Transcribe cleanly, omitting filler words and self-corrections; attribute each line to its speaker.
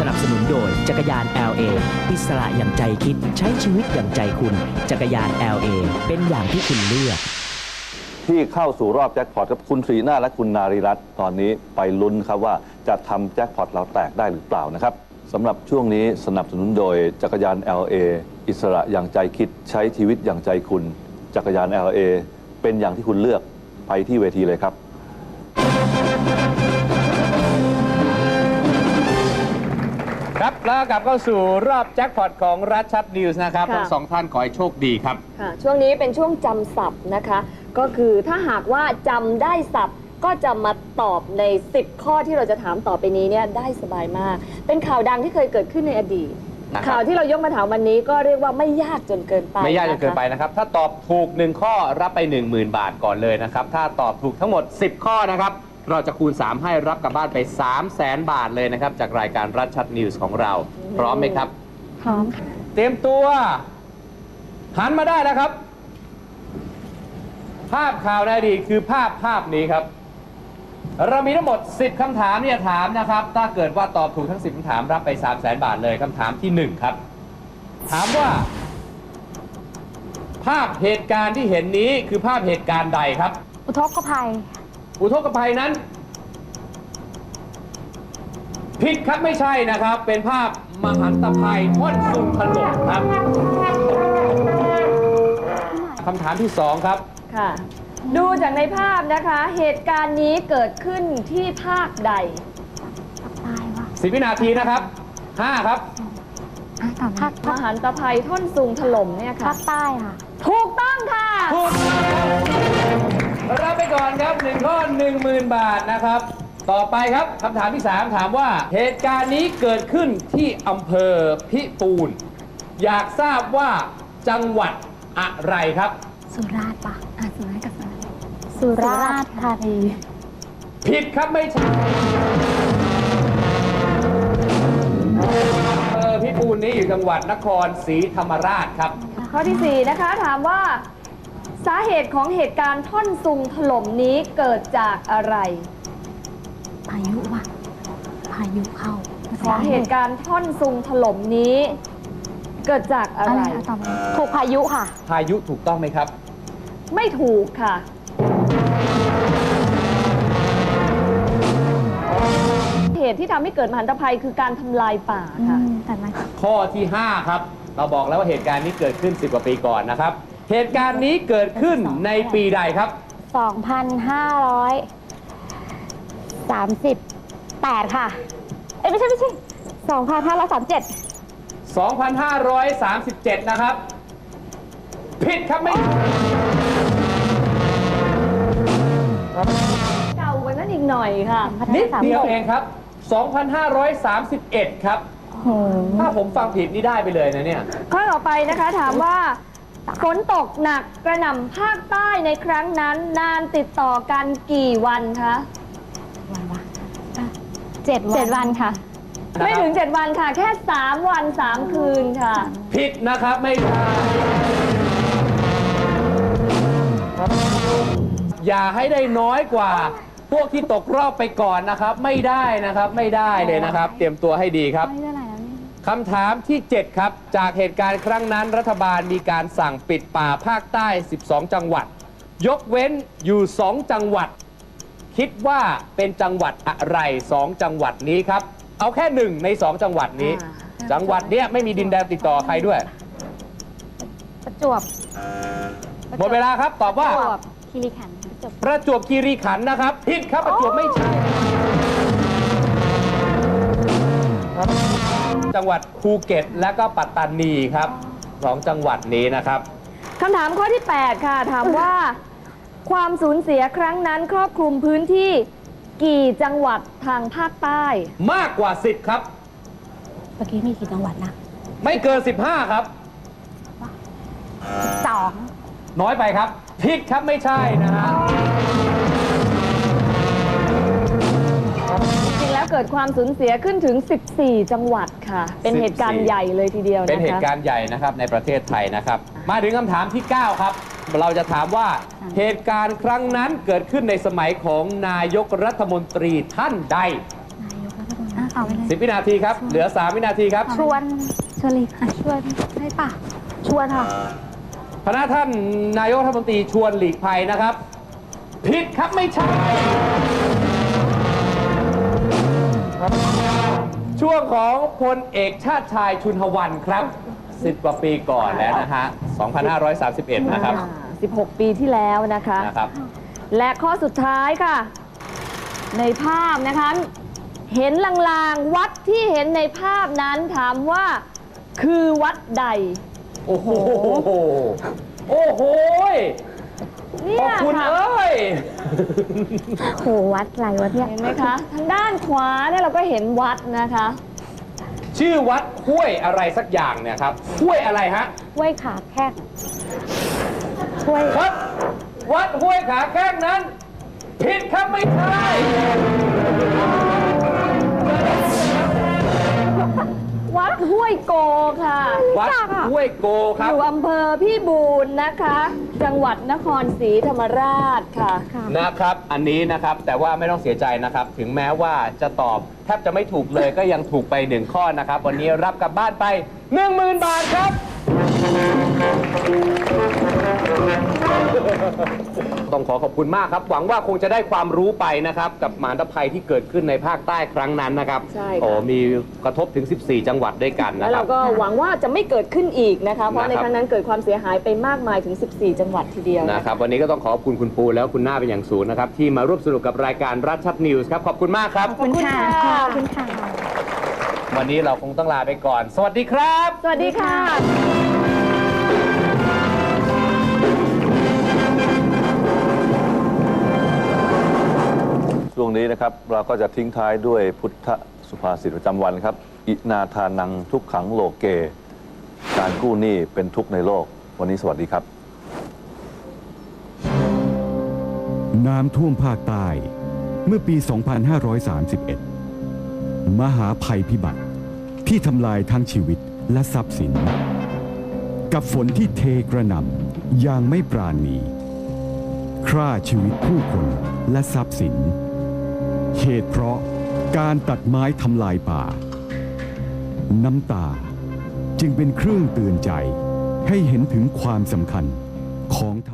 Speaker 1: สนับสนุนโดยจักรยาน LA อิสระอย่างใจคิดใช้ชีวิตอย่างใจคุณจักรยาน LA เป็นอย่างที่คุณเลือก
Speaker 2: ที่เข้าสู่รอบแจ็คพอตกับคุณศรีนาและคุณนารีรัตน์ตอนนี้ไปลุ้นครับว่าจะทำแจ็คพอตเราแตกได้หรือเปล่านะครับสำหรับช่วงนี้สนับสนุนโดยจักรยาน LA อิสระอย่างใจคิดใช้ชีวิตอย่างใจคุณจักรยาน LA เป็นอย่างที่คุณเลือกไปที่เวทีเลยครับ
Speaker 3: ครับแล้วกลับเข้าสู่รอบแจ็คพอตของรัฐชัดนิวส์นะครับทั้งสองท่านขอให้โชคดีครับ
Speaker 4: ช่วงนี้เป็นช่วงจำศัพท์นะคะก็คือถ้าหากว่าจำได้ศัพท์ก็จะมาตอบใน10ข้อที่เราจะถามต่อไปนี้เนี่ยได้สบายมากเป็นข่าวดังที่เคยเกิดขึ้นในอดีตข่าวที่เรายกมาถามวันนี้ก็เรียกว่าไม่ยากจนเกินไป
Speaker 3: ไม่ยากจนเกินไปนะครับถ้าตอบถูก1ข้อรับไป 10,000 บาทก่อนเลยนะครับถ้าตอบถูกทั้งหมด10ข้อนะครับเราจะคูณ3ให้รับกลับบ้านไป 300,000 บาทเลยนะครับจากรายการรัฐชัดนิวส์ของเราพร้อมไหมครับ
Speaker 4: พร้อมค่ะ
Speaker 3: เตรียมตัวหันมาได้แล้วครับภาพข่าวในอดีตคือภาพนี้ครับเรามีทั้งหมด10คำถามที่จะถามนะครับถ้าเกิดว่าตอบถูกทั้ง10คำถามรับไป 300,000 บาทเลยคำถามที่1ครับถามว่าภาพเหตุการณ์ที่เห็นนี้คือภาพเหตุการณ์ใดครับ
Speaker 4: อุทกภัย
Speaker 3: อุทกภัยนั้นผิดครับไม่ใช่นะครับเป็นภาพมหันตภัยม่อนซุงถล่มครับคำถามที่2ครับ
Speaker 4: ค่ะดูจากในภาพนะคะเหตุการณ์นี้เกิดขึ้นที่ภาคใด
Speaker 3: 10 วินาทีนะครับ5ครับ
Speaker 4: ภาคมหันตภัยท่อนซุงถล่มเนี่ยค่ะ
Speaker 5: ภาคใต้ค่ะ
Speaker 4: ถูกต้องค่ะ
Speaker 3: ถูกรับไปก่อนครับ1ข้อ 10,000 บาทนะครับต่อไปครับคำถามที่3ถามว่าเหตุการณ์นี้เกิดขึ้นที่อำเภอพิปูนอยากทราบว่าจังหวัดอะไรครับ
Speaker 5: สุราษฎร์ปะสุราษฎร์กับสุราษฎร์ธานี
Speaker 3: ผิดครับไม่ใช่พิปูนนี้อยู่จังหวัดนครศรีธรรมราชครับ
Speaker 4: ข้อที่4นะคะถามว่าสาเหตุของเหตุการณ์ท่อนซุงถล่มนี้เกิดจากอะไร
Speaker 5: พายุว่ะพายุเข้า
Speaker 4: ของเหตุการณ์ท่อนซุงถล่มนี้เกิดจากอะไร
Speaker 5: ถูกพายุค่ะ
Speaker 3: พายุถูกต้องไหมครับ
Speaker 4: ไม่ถูกค่ะเหตุที่ทำให้เกิดมหันตภัยคือการทำลายป่าค่ะ
Speaker 3: ข้อที่5ครับเราบอกแล้วว่าเหตุการณ์นี้เกิดขึ้น10 กว่าปีก่อนนะครับเหตุการณ์นี้เกิดขึ้นในปีใดครับ
Speaker 5: 2538ค่ะไม่ใช่
Speaker 3: 2537นะครับผิดครับไม่
Speaker 4: เก่ากว่านั้นอีกหน่อยค่ะ
Speaker 3: นิดเดียวเองครับ2531ครับถ้าผมฟังผิดนี่ได้ไปเลยนะเนี่ย
Speaker 4: ข้อต่อไปนะคะถามว่าฝนตกหนักกระหน่ำภาคใต้ในครั้งนั้นนานติดต่อกันกี่วันคะ
Speaker 5: 7 วันค่ะ
Speaker 4: ไม่ถึง7 วันค่ะแค่3 วัน 3 คืนค่ะ
Speaker 3: ผิดนะครับไม่ใช่อย่าให้ได้น้อยกว่าพวกที่ตกรอบไปก่อนนะครับไม่ได้นะครับไม่ได้เลยนะครับเตรียมตัวให้ดีครับคำถามที่7ครับจากเหตุการณ์ครั้งนั้นรัฐบาลมีการสั่งปิดป่าภาคใต้12 จังหวัดยกเว้นอยู่2 จังหวัดคิดว่าเป็นจังหวัดอะไร2 จังหวัดนี้ครับเอาแค่1 ใน 2 จังหวัดนี้จังหวัดนี้ไม่มีดินแดนติดต่อใครด้วย
Speaker 5: ประจวบ
Speaker 3: หมดเวลาครับตอบว่า
Speaker 5: คีรีขันธ์
Speaker 3: ประจวบคีรีขันธ์นะครับผิดครับประจวบไม่ใช่จังหวัดภูเก็ตและก็ปัตตานีครับ2 จังหวัดนี้นะครับ
Speaker 4: คำถามข้อที่8ค่ะถามว่าความสูญเสียครั้งนั้นครอบคลุมพื้นที่กี่จังหวัดทางภาคใต้
Speaker 3: มากกว่า10ครับ
Speaker 5: เมื่อกี้มีกี่จังหวัดนะ
Speaker 3: ไม่เกิน15ครับ
Speaker 5: 2
Speaker 3: น้อยไปครับผิดครับไม่ใช่นะฮะ
Speaker 4: จริงๆแล้วเกิดความสูญเสียขึ้นถึง14 จังหวัดค่ะเป็นเหตุการณ์ใหญ่เลยทีเดียวนะคะ
Speaker 3: เป็นเหตุการณ์ใหญ่นะครับในประเทศไทยนะครับมาถึงคำถามที่9ครับเราจะถามว่าเหตุการณ์ครั้งนั้นเกิดขึ้นในสมัยของนายกรัฐมนตรีท่านใด
Speaker 5: ตอบไปเลย
Speaker 3: 10 วินาทีครับ เหลือ 3 วินาทีครับ
Speaker 5: ชวนหลีกภัยชวนได้ปะชวนค่ะ
Speaker 3: พระท่านนายกรัฐมนตรีชวนหลีกภัยนะครับ ผิดครับไม่ใช่ ช่วงของพลเอกชาติชายชุนหวันครับ10 กว่าปีก่อนแล้วนะฮะ 2531 นะครับ
Speaker 4: 16 ปีที่แล้วนะคะ
Speaker 3: นะครับ
Speaker 4: และข้อสุดท้ายค่ะ ในภาพนะคะ เห็นลางๆวัดที่เห็นในภาพนั้นถามว่าคือวัดใด
Speaker 3: โอ้โห โอ้โห
Speaker 4: เนี่
Speaker 3: ขอย บคุณ
Speaker 4: ค่ะ
Speaker 3: เอ้ย
Speaker 5: โหวัดอะไรวัดเนี่ย
Speaker 4: เห็นไหมคะ ทางด้านขวาเนี่ยเราก็เห็นวัดนะคะ
Speaker 3: ชื่อวัดห้วยอะไรสักอย่างเนี่ยครับ ห้วยอะไรฮะ
Speaker 5: ห้วยขาแข้งห้วย
Speaker 3: ครับ วัดห้วยขาแข้งนั้น ผิดครับไม่ใช่
Speaker 4: วัดห้วยโกค่ะ
Speaker 3: วัดห้วยโกค
Speaker 4: อ
Speaker 3: รับ
Speaker 4: ยู่อำเภอพิบูรณ์นะคะ จังหวัดนครศรีธรรมราชค่ะ
Speaker 3: นะครับ อันนี้นะครับ แต่ว่าไม่ต้องเสียใจนะครับ ถึงแม้ว่าจะตอบแทบจะไม่ถูกเลยก็ยังถูกไป 1 ข้อนะครับ วันนี้รับกลับบ้านไป 10,000 บาทครับ ต้องขอบคุณมากครับ หวังว่าคงจะได้ความรู้ไปนะครับ กับมารภัยที่เกิดขึ้นในภาคใต้ครั้งนั้นนะครับ
Speaker 4: ใช่ค่ะ
Speaker 3: โอ้มีกระทบถึง 14 จังหวัดด้วยกัน
Speaker 4: แล้
Speaker 3: นะ
Speaker 4: ว
Speaker 3: ค
Speaker 4: เรา
Speaker 3: รับ
Speaker 4: ก็หวังว่าจะไม่เกิดขึ้นอีกนะคะ เพราะใน
Speaker 3: นะครับ
Speaker 4: ครั้งนั้นเกิดความเสียหายไปมากมายถึง 14 จังหวัดทีเดียว
Speaker 3: นะครับ วันนี้ก็ต้องขอบคุณคุณปูแล้วคุณหน้าเป็นอย่างสูงนะครับ ที่มาร่วมสนุกกับรายการรัฐชัดนิวส์ครับ ขอบคุณมากครับ
Speaker 5: ขอบคุณค่ะขอบคุณค่ะ
Speaker 3: วันนี้เราคงต้องลาไปก่อน สวัสดีครับ
Speaker 4: สวัสดีค่ะ
Speaker 2: ช่วงนี้นะครับเราก็จะทิ้งท้ายด้วยพุทธสุภาษิตประจำวันครับ อินาทานังทุกขังโลเก การกู้หนี้เป็นทุกข์ในโลก วันนี้สวัสดีครับ
Speaker 6: น้ำท่วมภาคใต้เมื่อปี 2531 มหาภัยพิบัติที่ทำลายทั้งชีวิตและทรัพย์สิน กับฝนที่เทกระหน่ำอย่างไม่ปราณีฆ่าชีวิตผู้คนและทรัพย์สิน เหตุเพราะการตัดไม้ทำลายป่า น้ำตาจึงเป็นเครื่องเตือนใจให้เห็นถึงความสำคัญของ